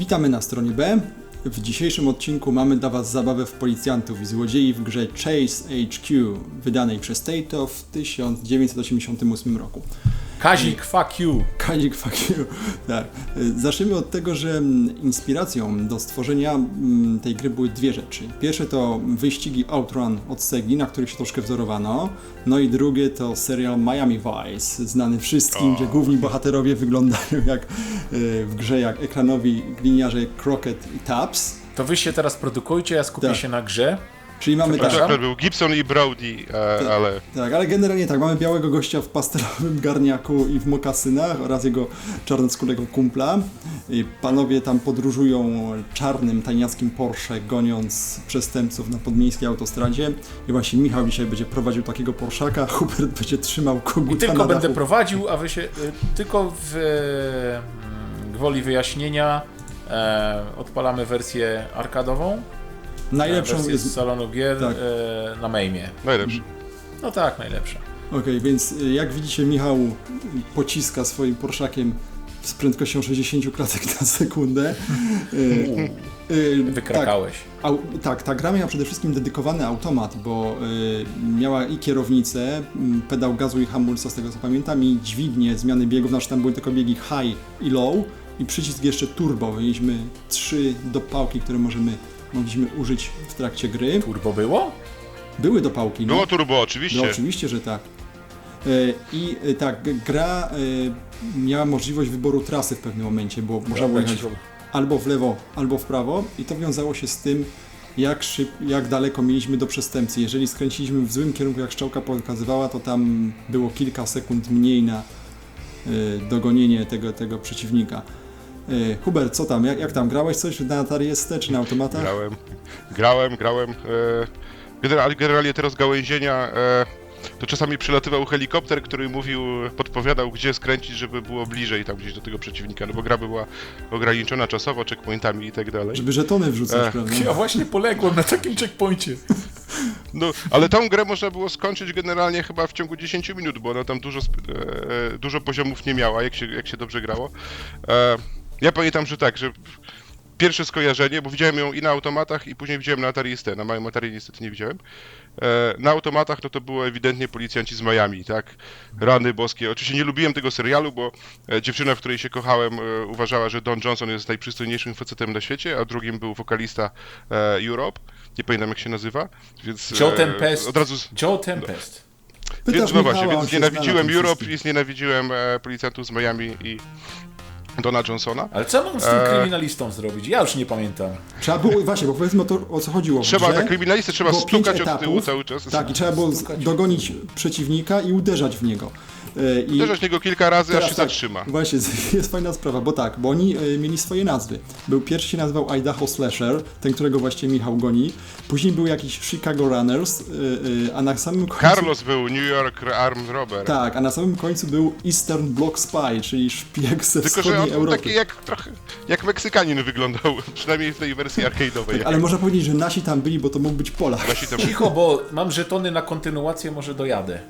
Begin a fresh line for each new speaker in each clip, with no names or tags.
Witamy na stronie B. W dzisiejszym odcinku mamy dla Was zabawę w policjantów i złodziei w grze Chase HQ, wydanej przez Taito w 1988 roku.
Kazik, fuck you!
Kazik, fuck you. Tak. Zacznijmy od tego, że inspiracją do stworzenia tej gry były dwie rzeczy. Pierwsze to wyścigi Outrun od Segi, na których się troszkę wzorowano. No i drugie to serial Miami Vice, znany wszystkim, gdzie główni bohaterowie wyglądają jak w grze jak ekranowi gliniarze Crockett i Tubbs.
To wy się teraz produkujcie, ja skupię się na grze.
Czyli mamy tak.
To był Gibson i Brody, ale...
Tak, ale generalnie tak, mamy białego gościa w pastelowym garniaku i w mokasynach oraz jego czarnoskórego kumpla. I panowie tam podróżują czarnym, tajniackim Porsche, goniąc przestępców na podmiejskiej autostradzie. I właśnie Michał dzisiaj będzie prowadził takiego Porszaka, Hubert będzie trzymał koguta
I tylko
na
będę
dachu.
prowadził, a wy się... Tylko w gwoli wyjaśnienia odpalamy wersję arkadową.
Najlepszą
wersję
jest...
z salonu gier
tak.
Na Maimie.
Najlepszy.
No tak, najlepsza.
Okej, więc jak widzicie, Michał pociska swoim Porszakiem z prędkością 60 klatek na sekundę.
Wykrakałeś.
Tak, ta gra miała przede wszystkim dedykowany automat, bo miała i kierownicę, pedał gazu i hamulca, z tego co pamiętam, i dźwignię zmiany biegów, znaczy tam były tylko biegi high i low, i przycisk jeszcze turbo. Mieliśmy 3 dopałki, które mogliśmy użyć w trakcie gry.
Turbo było?
Były dopałki. No.
Było turbo, oczywiście.
No oczywiście, że tak. I tak, gra miała możliwość wyboru trasy w pewnym momencie, bo można było jechać albo w lewo, albo w prawo, i to wiązało się z tym, jak daleko mieliśmy do przestępcy. Jeżeli skręciliśmy w złym kierunku, jak strzałka pokazywała, to tam było kilka sekund mniej na dogonienie tego przeciwnika. Hubert, co tam? Jak tam? Grałeś coś na Atari ST czy na automatach?
Grałem. Generalnie te rozgałęzienia, to czasami przylatywał helikopter, który podpowiadał, gdzie skręcić, żeby było bliżej tam gdzieś do tego przeciwnika, no bo gra była ograniczona czasowo, checkpointami i tak dalej.
Żeby żetony wrzucać, prawda?
Ja właśnie poległem na takim checkpoincie.
No, ale tą grę można było skończyć generalnie chyba w ciągu 10 minut, bo ona tam dużo poziomów nie miała, jak się dobrze grało. Ja pamiętam, że tak, że pierwsze skojarzenie, bo widziałem ją i na automatach, i później widziałem na Atari ST. Na małym Atari niestety nie widziałem. Na automatach no to było ewidentnie Policjanci z Miami, tak? Rany boskie. Oczywiście nie lubiłem tego serialu, bo dziewczyna, w której się kochałem, uważała, że Don Johnson jest najprzystojniejszym facetem na świecie, a drugim był wokalista Europe. Nie pamiętam, jak się nazywa, więc
Joe Tempest.
od razu...
Joe Tempest.
Więc no właśnie,
Michała,
więc
on się
nienawidziłem
zna na tym
Europe
wszystkim.
i znienawidziłem Policjantów z Miami i Dona Johnsona.
Ale co mam z tym kryminalistą zrobić? Ja już nie pamiętam.
Trzeba było, właśnie, bo powiedzmy o co chodziło.
Tak, kryminalistę trzeba
było 5
stukać od
etapów,
tyłu cały czas.
Tak, i trzeba było dogonić przeciwnika i uderzać w niego.
Uderzać w niego kilka razy, aż się
tak,
zatrzyma.
Właśnie, jest fajna sprawa, bo oni mieli swoje nazwy. Pierwszy się nazywał Idaho Slasher, ten, którego właśnie Michał goni. Później był jakiś Chicago Runners, a na samym końcu...
Carlos był New York Armed Robber.
Tak, a na samym końcu był Eastern Bloc Spy, czyli szpieg ze
Tylko, że
wschodniej
on był
Europy.
taki trochę jak Meksykanin wyglądał, przynajmniej w tej wersji arcade'owej.
Tak, ale można powiedzieć, że nasi tam byli, bo to mógł być Polak.
Nasi tam...
Cicho, bo mam żetony na kontynuację, może dojadę.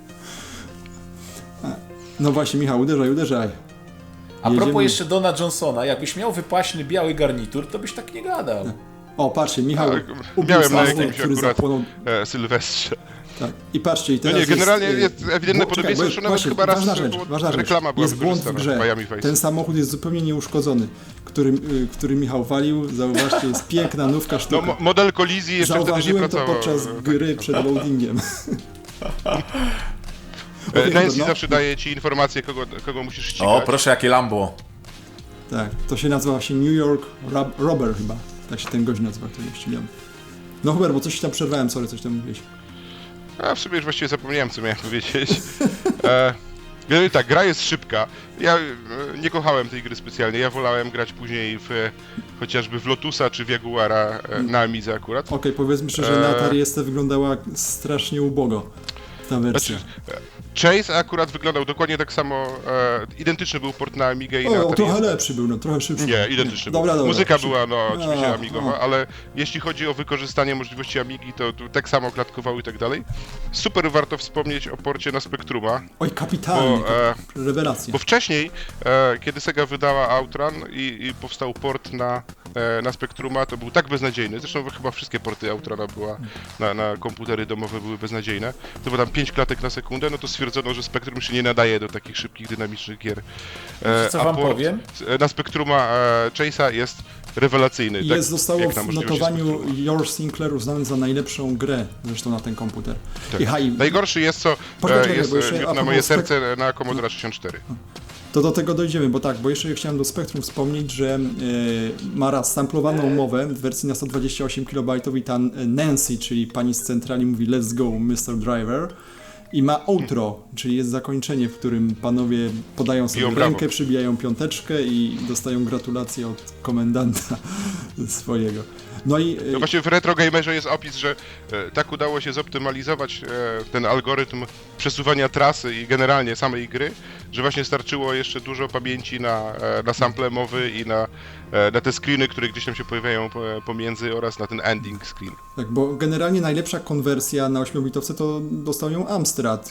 No właśnie, Michał, uderzaj.
A propos jeszcze Dona Johnsona, jakbyś miał wypaśny biały garnitur, to byś tak nie gadał.
O, patrzcie, Michał ubił
Miałem na
samochód,
jakimś
który
akurat
zapłonął.
Sylwestrze.
Tak. I patrzcie, i teraz
No nie, generalnie
jest
ewidentne podobieństwo, że nawet chyba raz
ważna rzecz.
reklama była
Jest błąd w
wykorzystana
grze.
Miami Vice.
Ten samochód jest zupełnie nieuszkodzony, który Michał walił. Zauważcie, jest piękna, nówka sztuka.
No, model kolizji jeszcze wtedy nie
Zauważyłem to
pracował.
podczas gry przed loadingiem.
Nancy
no.
zawsze daje ci informację, kogo musisz ścigać.
O, proszę, jakie Lambo.
Tak, to się nazywa właśnie New York Robber chyba. Tak się ten gość nazywa, który ścigamy. No Hubert, bo coś ci tam przerwałem, sorry, coś tam mówiłeś.
A w sumie już właściwie zapomniałem, co miałem powiedzieć. Tak, gra jest szybka. Ja nie kochałem tej gry specjalnie. Ja wolałem grać później chociażby w Lotusa czy w Jaguara na Amidze akurat.
Okej, powiedzmy szczerze, że na Atari ST wyglądała strasznie ubogo ta wersja.
Chase akurat wyglądał dokładnie tak samo, identyczny był port na Amigę i na
O,
Atari
trochę
ST.
lepszy był, no trochę szybszy.
Nie, identyczny był.
Dobra.
Muzyka była, no oczywiście
A,
amigowa, ale jeśli chodzi o wykorzystanie możliwości Amigi, to tak samo klatkowały i tak dalej. Super warto wspomnieć o porcie na Spectruma,
Oj, kapitalnie,
Bo,
rewelacja.
bo wcześniej, kiedy Sega wydała Outrun i powstał port na Spectruma, to był tak beznadziejny, zresztą chyba wszystkie porty Outruna na komputery domowe były beznadziejne, to było tam 5 klatek na sekundę, no to stwierdzono, że Spectrum się nie nadaje do takich szybkich, dynamicznych gier.
Co wam
port
powiem?
na Spectruma Chase'a jest rewelacyjny.
Zostało
jak na
w
możliwości
notowaniu
Spectruma.
Your Sinclair uznany za najlepszą grę zresztą na ten komputer.
Tak. Najgorszy jest, co
Poczekaj,
jest
bo jeszcze
miód
a
na moje
propos
serce na Commodore 64.
To do tego dojdziemy, bo jeszcze chciałem do Spectrum wspomnieć, że ma raz samplowaną mowę w wersji na 128 KB i ta Nancy, czyli pani z centrali mówi "Let's go, Mr. Driver". I ma outro, czyli jest zakończenie, w którym panowie podają sobie
Biją
rękę,
brawo.
przybijają piąteczkę i dostają gratulacje od komendanta swojego. No i
No właśnie w Retro Gamerze jest opis, że tak udało się zoptymalizować ten algorytm przesuwania trasy i generalnie samej gry, że właśnie starczyło jeszcze dużo pamięci na sample mowy i na te screeny, które gdzieś tam się pojawiają pomiędzy oraz na ten ending screen.
tak, bo generalnie najlepsza konwersja na 8-bitowce to dostał ją Amstrad,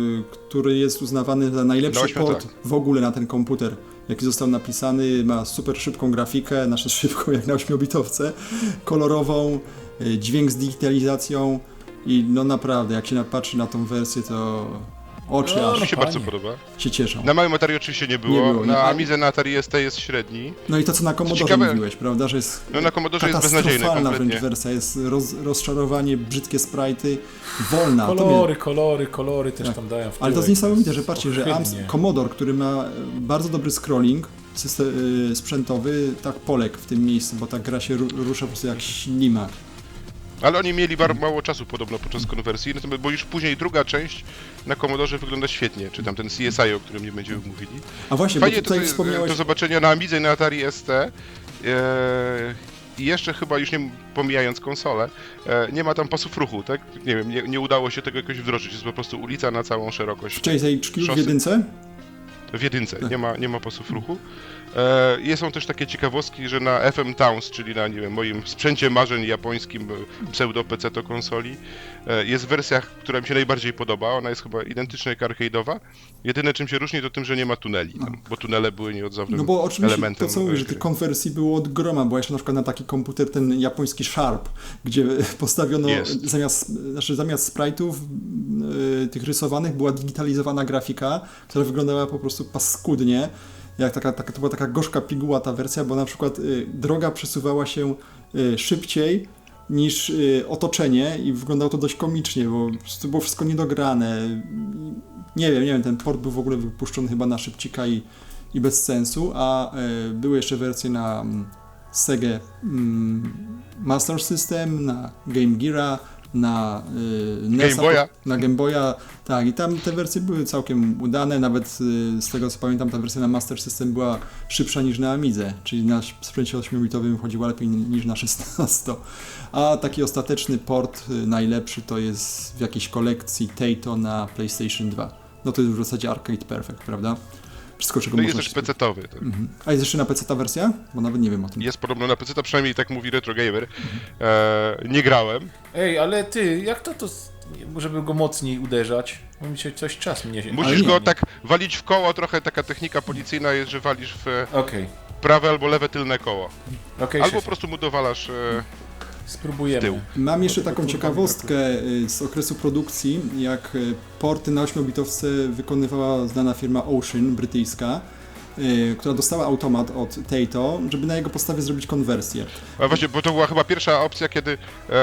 który jest uznawany za najlepszy
Na 8,
port
tak.
w ogóle na ten komputer, jaki został napisany, ma super szybką grafikę, znaczy szybką jak na 8-bitowce, kolorową, dźwięk z digitalizacją i no naprawdę, jak się patrzy na tą wersję, to oczy
No,
aż
Mi się
fajnie.
bardzo podoba.
się cieszą.
Na małym Atari oczywiście nie było,
Nie było, nie.
na Amidze na Atari ST jest średni.
No i to, co na Commodore
Ciekawe-
mówiłeś, prawda, że jest
No na Commodore jest beznadziejny
katastrofalna wręcz
kompletnie.
wersja, jest rozczarowanie, brzydkie sprite'y, wolna. To mnie-
Kolory też
Tak.
tam dają w
Ale to jest
tyłek,
niesamowite, że patrzcie, że
ohydnie.
Commodore, który ma bardzo dobry scrolling sprzętowy, tak poległ w tym miejscu, bo ta gra się rusza po prostu jak ślimak.
Ale oni mieli mało czasu podobno podczas konwersji, natomiast, bo już później druga część na Commodore wygląda świetnie, czy tam ten CSI, o którym nie będziemy mówili.
A właśnie,
Fajnie
bo tutaj
to
wspomniałeś...
do zobaczenia na Amidze i na Atari ST. I jeszcze chyba, już nie pomijając konsolę, nie ma tam pasów ruchu, tak? Nie wiem, nie udało się tego jakoś wdrożyć, jest po prostu ulica na całą szerokość.
W Chase HQ w
szosy.
jedynce?
W jedynce,
Tak.
nie ma pasów ruchu. Są też takie ciekawostki, że na FM Towns, czyli na, nie wiem, moim sprzęcie marzeń japońskim pseudo-PC to konsoli, jest wersja, która mi się najbardziej podoba. Ona jest chyba identyczna jak arcade'owa. Jedyne czym się różni to tym, że nie ma tuneli, tam, bo tunele były nieodzownym
No bo oczywiście
elementem
to co mówisz, że
gry.
tych konwersji było od groma, bo jeszcze na przykład na taki komputer ten japoński Sharp, gdzie postawiono
Jest.
zamiast sprite'ów tych rysowanych była digitalizowana grafika, która wyglądała po prostu paskudnie. Jak to była taka gorzka piguła ta wersja, bo na przykład droga przesuwała się szybciej niż otoczenie i wyglądało to dość komicznie, bo po prostu było wszystko niedograne. Nie wiem, ten port był w ogóle wypuszczony chyba na szybcika i bez sensu, a były jeszcze wersje na Sega Master System, na Game Geara, na NES-a,
Game Boya.
na Game Boya, tak, i tam te wersje były całkiem udane, nawet z tego co pamiętam ta wersja na Master System była szybsza niż na Amidze, czyli na sprzęcie 8-bitowym chodziła lepiej niż na 16. A taki ostateczny port najlepszy to jest w jakiejś kolekcji Taito na PlayStation 2. No to jest w zasadzie Arcade Perfect, prawda? Wszystko, czego
No i
można
jest też PC-towy. Tak.
Mhm. A jest jeszcze na PC ta wersja? Bo nawet nie wiem o tym.
Jest podobno na PC, przynajmniej tak mówi Retro Gamer. Nie grałem.
Ej, ale ty, jak to żeby go mocniej uderzać? Bo mi się coś czas mnie się...
Musisz
nie.
go tak walić w koło, trochę taka technika policyjna jest, że walisz w
Okej,
prawe albo lewe tylne koło.
okej,
Albo po
szefie.
prostu mu dowalasz
Spróbujemy.
w tył.
Mam jeszcze taką ciekawostkę z okresu produkcji, jak porty na 8-bitowce wykonywała znana firma Ocean, brytyjska, która dostała automat od Taito, żeby na jego podstawie zrobić konwersję.
A właśnie, bo to była chyba pierwsza opcja, kiedy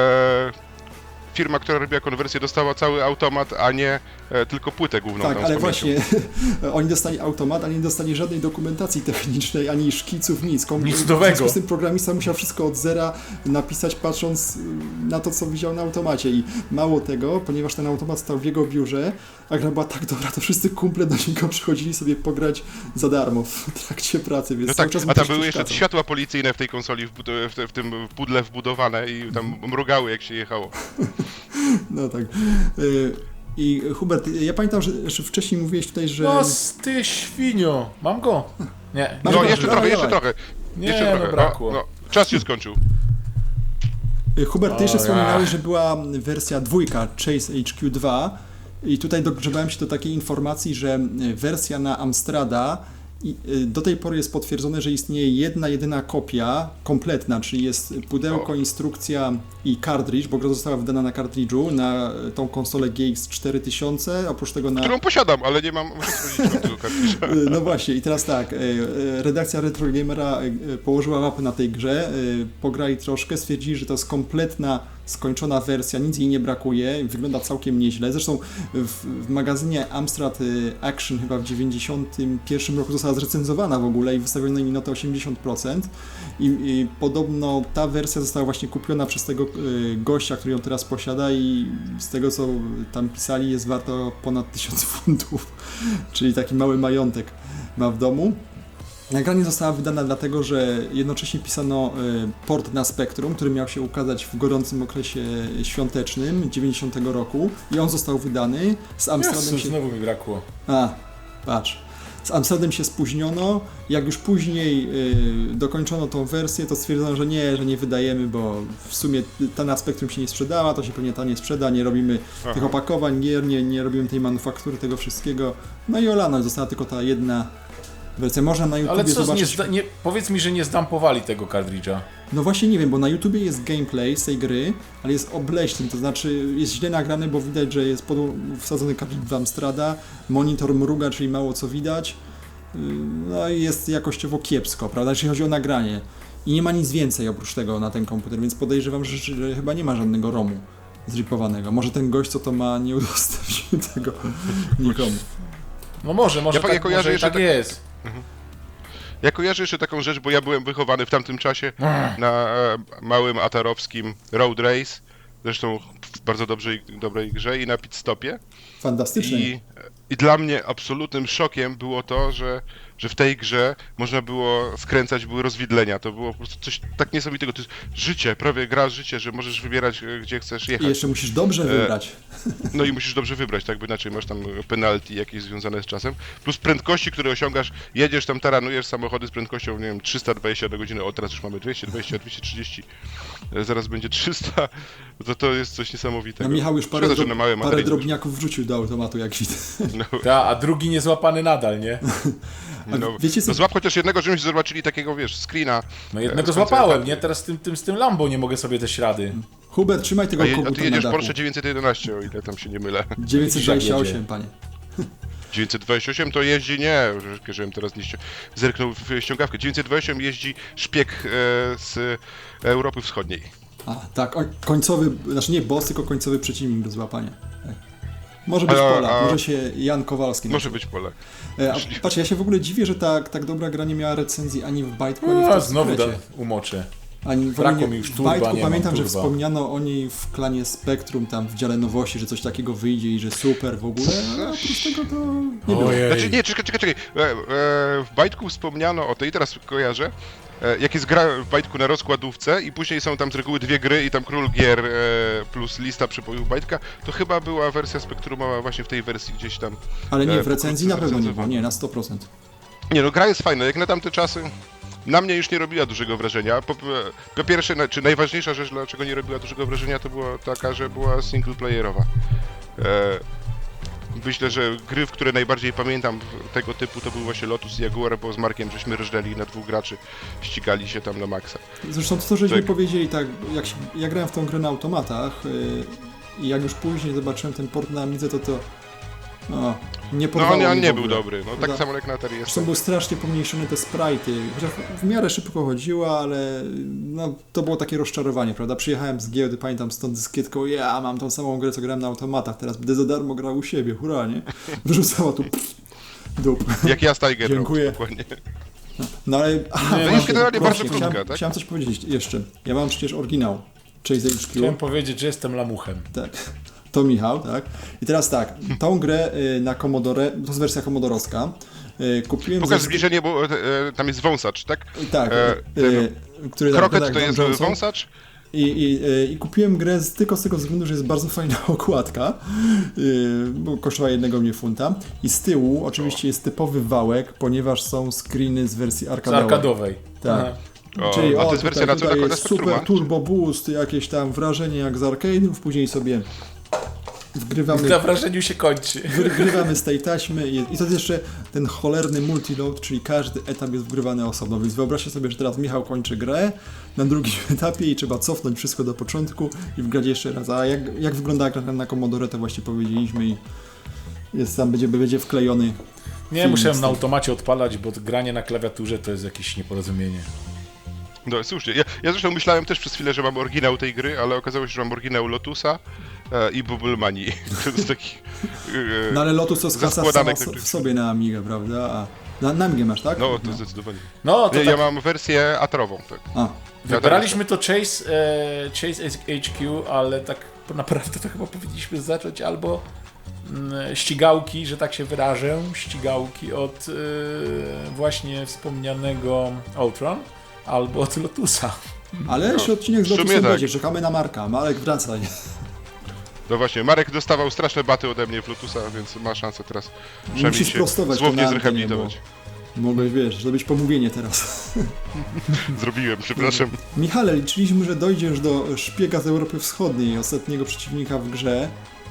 firma, która robiła konwersję, dostała cały automat, a nie tylko płytę główną.
Tak,
tam z
ale
pamięcią.
właśnie oni dostali automat, ale nie dostali żadnej dokumentacji technicznej, ani szkiców, nic.
Nic
W
nowego.
związku z tym programista musiał wszystko od zera napisać, patrząc na to, co widział na automacie. I mało tego, ponieważ ten automat stał w jego biurze, a gra była tak dobra, to wszyscy kumple do niego przychodzili sobie pograć za darmo w trakcie pracy, więc
No
cały
tak,
czas mu
a tam
coś
były jeszcze
przeszkadzał.
światła policyjne w tej konsoli, w tym pudle wbudowane i tam mrugały jak się jechało.
No tak. I Hubert, ja pamiętam, że wcześniej mówiłeś tutaj, że...
No ty świnio, mam go? Nie.
Masz
No
go,
jeszcze
dawaj,
trochę, jeszcze
dawaj.
trochę.
Nie,
Jeszcze
no
trochę.
brakło.
No, czas się skończył.
Hubert, ty jeszcze
O, ja.
wspominałeś, że była wersja 2, Chase HQ2 i tutaj dogrzebałem się do takiej informacji, że wersja na Amstrada do tej pory jest potwierdzone, że istnieje jedna, jedyna kopia kompletna, czyli jest pudełko, instrukcja i kartridż, bo gra została wydana na kartridżu, na tą konsolę GX 4000, oprócz tego na...
Którą posiadam, ale nie mam możliwości tego kartridża.
No właśnie, i teraz tak, redakcja Retro Gamera położyła mapę na tej grze, pograli troszkę, stwierdzili, że to jest kompletna, skończona wersja, nic jej nie brakuje, wygląda całkiem nieźle. Zresztą w magazynie Amstrad Action chyba w 91 roku została zrecenzowana w ogóle i wystawiono jej notę 80%. I podobno ta wersja została właśnie kupiona przez tego gościa, który ją teraz posiada i z tego co tam pisali jest warto ponad 1000 funtów, czyli taki mały majątek ma w domu. Nagranie została wydana dlatego, że jednocześnie pisano port na Spectrum, który miał się ukazać w gorącym okresie świątecznym 90 roku i on został wydany. Z Amsterdam
Jezu,
się...
znowu mi brakło.
Patrz. Z Amsterdam się spóźniono, jak już później dokończono tą wersję, to stwierdzono, że nie wydajemy, bo w sumie ta na Spectrum się nie sprzedała, to się pewnie ta nie sprzeda, nie robimy tych opakowań gier, nie robimy tej manufaktury, tego wszystkiego. No i olano, została tylko ta jedna wersja. Można na YouTubie
Ale co,
zobaczyć...
powiedz mi, że nie zdampowali tego kartridża.
No właśnie nie wiem, bo na YouTubie jest gameplay z tej gry, ale jest obleśny, to znaczy jest źle nagrany, bo widać, że jest wsadzony kartridż w Amstrada, monitor mruga, czyli mało co widać, no i jest jakościowo kiepsko, prawda, jeśli chodzi o nagranie. I nie ma nic więcej oprócz tego na ten komputer, więc podejrzewam, że chyba nie ma żadnego ROMu zripowanego. Może ten gość, co to ma, nie udostępnił tego nikomu.
No może tak jest.
Ja kojarzę jeszcze taką rzecz, bo ja byłem wychowany w tamtym czasie na małym atarowskim Road Race, zresztą w bardzo dobrej grze i na pit stopie.
Fantastycznie.
I dla mnie absolutnym szokiem było to, że w tej grze można było skręcać, były rozwidlenia. To było po prostu coś tak niesamowitego. To jest życie, prawie gra życie, że możesz wybierać, gdzie chcesz jechać.
I jeszcze musisz dobrze wybrać.
No i musisz dobrze wybrać, tak? Bo inaczej masz tam penalty jakieś związane z czasem. Plus prędkości, które osiągasz, jedziesz tam, taranujesz samochody z prędkością, nie wiem, 320 na godzinę. O, teraz już mamy 220, 230. Zaraz będzie 300. To jest coś niesamowitego.
No Michał już
Szkoda,
parę drobniaków wrzucił do automatu, jak widzę.
No.
A drugi niezłapany nadal, nie?
No,
wiecie co?
no złap chociaż jednego, żebyśmy zobaczyli takiego, wiesz, screena.
No jednego złapałem, nie? Teraz z tym Lambo nie mogę sobie też rady.
Hubert, trzymaj tego
A
koguta
ty jedziesz
na dachu.
Porsche 911, o ile tam się nie mylę.
928, panie.
928 to jeździ, nie, żebym teraz nie zerknął w ściągawkę. 928 jeździ szpieg z Europy Wschodniej.
A, tak, końcowy, znaczy nie boss, tylko końcowy przeciwnik do złapania. Tak. Może być Polak, może się Jan Kowalski.
Może być Polak.
Patrz, ja się w ogóle dziwię, że tak dobra gra nie miała recenzji ani w Bajtku, ani w
znowu umoczę.
Brakło
mi już
w
turba,
Bajtku
nie
pamiętam,
mam
że
turba.
wspomniano o niej w klanie Spektrum, tam w dziale nowości, że coś takiego wyjdzie i że super w ogóle, ale oprócz tego to nie było.
Znaczy, nie, czekaj. W Bajtku wspomniano o tej, teraz kojarzę, jak jest gra w Bajtku na rozkładówce i później są tam z reguły dwie gry i tam Król Gier plus lista przepojów Bajtka, to chyba była wersja Spektrumowa właśnie w tej wersji gdzieś tam.
Ale nie, w recenzji na pewno nie było, nie, na 100%.
Nie no, gra jest fajna, jak na tamte czasy na mnie już nie robiła dużego wrażenia. Po pierwsze, czy najważniejsza rzecz, dlaczego nie robiła dużego wrażenia, to była taka, że była singleplayerowa. Myślę, że gry, w które najbardziej pamiętam tego typu, to był właśnie Lotus i Jaguar, bo z Markiem żeśmy rżnęli na dwóch graczy, ścigali się tam na maksa.
Zresztą to, żeśmy powiedzieli, tak, ja grałem w tą grę na automatach i jak już później zobaczyłem ten port na Amidze, to nie porwało
No on
mnie
nie
w ogóle.
był dobry, no tak samo jak na Atari jest.
Zresztą były strasznie pomniejszone te sprite'y, chociaż w miarę szybko chodziło, ale no, to było takie rozczarowanie, prawda? Przyjechałem z giełdy, pamiętam stąd dyskietką, ja mam tą samą grę, co grałem na automatach, teraz będę za darmo grał u siebie, hurra, nie? Wyrzucała tu dup.
Jak ja z Tiger
Dziękuję.
dokładnie.
No ale...
To jest generalnie bardzo krótka, tak?
Chciałem coś powiedzieć jeszcze. Ja mam przecież oryginał Chase HQ.
Chciałem powiedzieć, że jestem lamuchem.
Tak. To Michał, tak? I teraz tak, tą grę na Commodore, to jest wersja komodorowska, kupiłem...
Pokaż zbliżenie, bo tam jest wąsacz, tak?
Tak, który...
Kroket to jest
Johnson.
wąsacz,
I kupiłem grę tylko z tego względu, że jest bardzo fajna okładka, bo kosztowała £1 funta. I z tyłu oczywiście jest typowy wałek, ponieważ są screeny z wersji arkadowej.
Z arkadowej.
Tak.
Aha.
Czyli
a to jest wersja na co
tutaj
na
jest
Spectruma?
super turbo boost, jakieś tam wrażenie jak z arcade'ów, później sobie wgrywamy...
Na wrażeniu się kończy.
Wygrywamy z tej taśmy i to jest jeszcze ten cholerny multiload, czyli każdy etap jest wgrywany osobno, więc wyobraźcie sobie, że teraz Michał kończy grę na drugim etapie i trzeba cofnąć wszystko do początku i wgrać jeszcze raz. A jak wygląda gra na Commodore, to właśnie powiedzieliśmy i jest tam, będzie wklejony.
Nie, musiałem na automacie odpalać, bo granie na klawiaturze to jest jakieś nieporozumienie.
No słusznie. Ja zresztą myślałem też przez chwilę, że mam oryginał tej gry, ale okazało się, że mam oryginał Lotusa i Bubble Money. To jest taki...
No ale Lotus to skraca
zaskładanek
w sobie na Amigę, prawda? A na Amigę masz, tak?
No, to zdecydowanie.
No, to
Nie,
tak.
ja mam wersję atrową, tak.
A.
Wybraliśmy to Chase HQ, ale tak naprawdę to chyba powinniśmy zacząć albo ścigałki, że tak się wyrażę, ścigałki od właśnie wspomnianego Ultron, albo od Lotusa.
Ale jeszcze odcinek z
w sumie
Lotusem
tak.
będzie, czekamy na Marka. Marek, wracaj.
No właśnie, Marek dostawał straszne baty ode mnie w Lotusa, więc ma szansę teraz przynajmniej
Musisz
się
prostować to
słownie
na antenie,
zrehabilitować.
Mogłeś, wiesz, zrobić pomówienie teraz.
Zrobiłem, przepraszam.
Michale, liczyliśmy, że dojdziesz do szpiega z Europy Wschodniej, ostatniego przeciwnika w grze.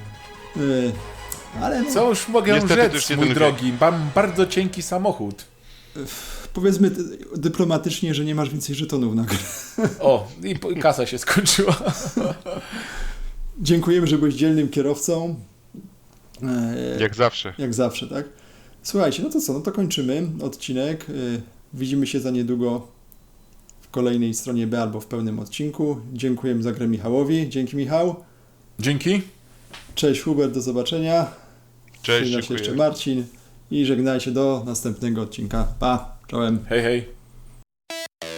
Ale no,
Co już mogę
Niestety to już
rzec,
nie
mój
ten
drogi, mam bardzo cienki samochód.
powiedzmy dyplomatycznie, że nie masz więcej żetonów na grę.
O, i kasa się skończyła.
Dziękujemy, że byłeś dzielnym kierowcą.
Jak zawsze.
Jak zawsze, tak? Słuchajcie, no to co, no to kończymy odcinek. Widzimy się za niedługo w kolejnej stronie B albo w pełnym odcinku. Dziękujemy za grę Michałowi. Dzięki, Michał.
Dzięki.
Cześć Hubert, do zobaczenia.
Cześć,
Żegna się
dziękuję.
jeszcze Marcin i żegnajcie do następnego odcinka. Pa, czołem.
Hej, hej.